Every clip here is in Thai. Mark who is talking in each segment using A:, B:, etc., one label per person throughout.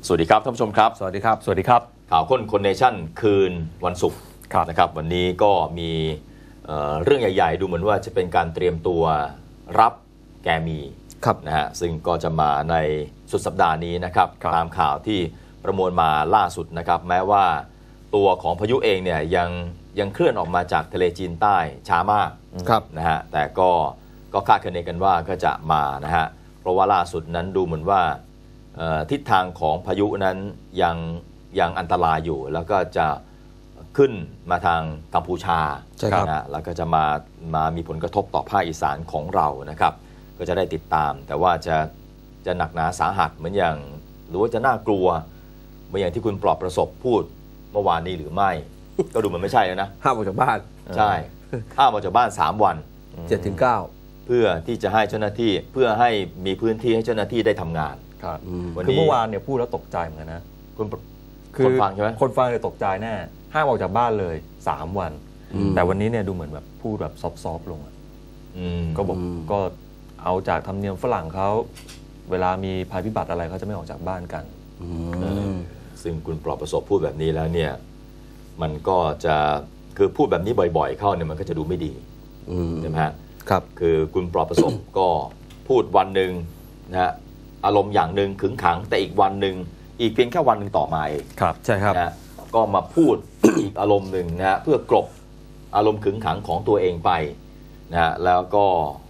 A: สวัสดีครับท่านผู้ชมครับ
B: สวัสดีครับ
C: สวัสดีครับ
A: ข่าวค้นคนเนชั่นคืนวันศุกร์นะครับวันนี้ก็มีเรื่องใหญ่ๆดูเหมือนว่าจะเป็นการเตรียมตัวรับแกมีนะฮะซึ่งก็จะมาในสุดสัปดาห์นี้นะครับตามข่าวที่ประมวลมาล่าสุดนะครับแม้ว่าตัวของพายุเองเนี่ยยังเคลื่อนออกมาจากทะเลจีนใต้ช้ามากนะฮะแต่ก็คาดคะเนกันว่าก็จะมานะฮะเพราะว่าล่าสุดนั้นดูเหมือนว่าทิศทางของพายุนั้นยังอันตรายอยู่แล้วก็จะขึ้นมาทางกัมพูชานะแล้วก็จะมามีผลกระทบต่อภาคอีสานของเรานะครับก็จะได้ติดตามแต่ว่าจะหนักหนาสาหัสเหมือนอย่างหรือว่าจะน่ากลัวเหมือนอย่างที่คุณปลอบประสบพูดเมื่อวานนี้หรือไม่ ก็ดูมันไม่ใช่แล้วนะ
B: ห้ามออกจากบ้าน
A: ใช่ห้ามออกจากบ้าน3 วัน
B: 7-9
A: เพื่อที่จะให้เจ้าหน้าที่เพื่อให้มีพื้นที่ให้เจ้าหน้าที่ได้ทำงาน
C: ครับคือเมื่อวานเนี่ยพูดแล้วตกใจเหมือนกันนะ
A: คนฟังใช่ไหม
C: คนฟังเนี่ยตกใจแน่ห้ามออกจากบ้านเลย3 วันแต่วันนี้เนี่ยดูเหมือนแบบพูดแบบซอฟๆลงก็บอกก็เอาจากธรรมเนียมฝรั่งเขาเวลามีภัยพิบัติอะไรเขาจะไม่ออกจากบ้านกัน
A: ซึ่งคุณปลอบประสบพูดแบบนี้แล้วเนี่ยมันก็จะคือพูดแบบนี้บ่อยๆเข้าเนี่ยมันก็จะดูไม่ดีใช่ไหมฮะ
B: ครับ
A: คือคุณปลอบประสบ ก็พูดวันหนึ่งนะฮะอารมณ์อย่างหนึ่งขึงขังแต่อีกวันหนึ่งอีกเพียงแค่วันหนึ่งต่อมาเอง
B: ครับใช่ครับ
A: นะก็มาพูด อีกอารมณ์หนึ่งนะฮะเพื่อกลบอารมณ์ขึงขังของตัวเองไปนะฮะแล้วก็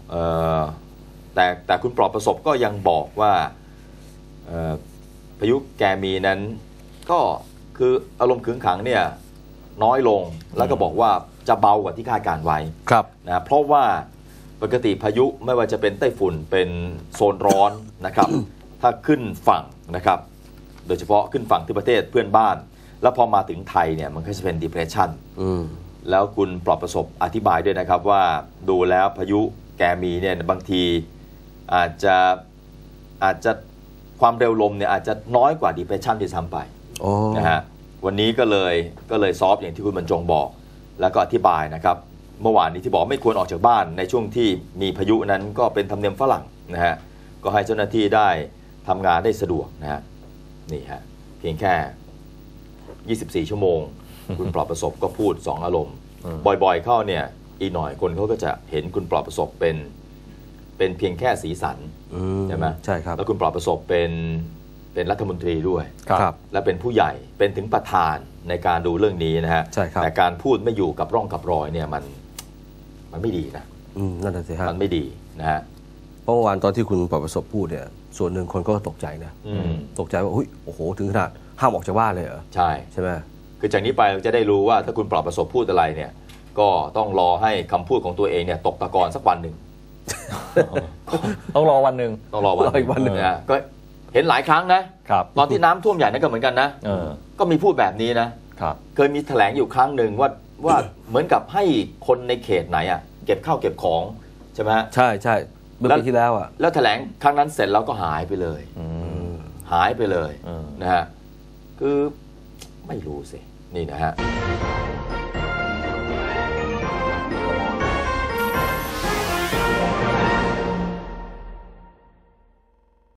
A: แต่คุณปลอบประสบก็ยังบอกว่าพายุแกมีนั้นก็คืออารมณ์ขึงขังเนี่ยน้อยลงแล้วก็บอกว่าจะเบากว่าที่คาดการไว้นะเพราะว่าปกติพายุไม่ว่าจะเป็นไต้ฝุ่นเป็นโซนร้อนนะครับ ถ้าขึ้นฝั่งนะครับโดยเฉพาะขึ้นฝั่งที่ประเทศเพื่อนบ้านแล้วพอมาถึงไทยเนี่ยมันก็จะเป็น depression แล้วคุณปลอบประสบอธิบายด้วยนะครับว่าดูแล้วพายุแกมีเนี่ยบางทีอาจจะความเร็วลมเนี่ยอาจจะน้อยกว่า depression ที่ซ้ำไปนะฮะวันนี้ก็เลยซอฟอย่างที่คุณบรรจงบอกแล้วก็อธิบายนะครับเมื่อวานนี้ที่บอกไม่ควรออกจากบ้านในช่วงที่มีพายุนั้นก็เป็นธรรมเนียมฝรั่งนะฮะก็ให้เจ้าหน้าที่ได้ทำงานได้สะดวกนะฮะนี่ฮะเพียงแค่24 ชั่วโมง คุณปลอบประสบก็พูด2 อารมณ์บ่อยๆเข้าเนี่ยอีกหน่อยคนเขาก็จะเห็นคุณปลอบประสบเป็นเพียงแค่สีสันใช่ไหม
B: ใช่ครับ
A: แล้วคุณปลอบประสบเป็นรัฐมนตรีด้วยและเป็นผู้ใหญ่เป็นถึงประธานในการดูเรื่องนี้นะฮะแต่การพูดไม่อยู่กับร่องกับรอยเนี่ยมันไม่ดีนะ
B: นั่นแหละสิฮะ
A: มันไม่ดีนะฮะ
B: เมื่อวานตอนที่คุณปลอบประสบพูดเนี่ยส่วนหนึ่งคนก็ตกใจนะตกใจว่าโอ้โหถึงขนาดห้ามออกจากบ้านเลยเหรอใช่ไหม
A: คือจากนี้ไปเราจะได้รู้ว่าถ้าคุณปลอบประสบพูดอะไรเนี่ยก็ต้องรอให้คำพูดของตัวเองเนี่ยตกตะกอนสักวันหนึ่ง
C: ต้องรอวันหนึ่ง
A: ต้องรออีกวันหนึ่งนะก็เห็นหลายครั้งนะตอนที่น้ำท่วมใหญ่นั่นก็เหมือนกันนะก็มีพูดแบบนี้นะเคยมีแถลงอยู่ครั้งหนึ่งว่าเหมือนกับให้คนในเขตไหนอ่ะเก็บข้าวเก็บของใช่ไหม
B: ใช่เมื่อปีที่แล้วอ่ะ
A: แล้วแถลงครั้งนั้นเสร็จแล้วก็หายไปเลยหายไปเลยนะฮะคือไม่รู้สินี่นะฮะ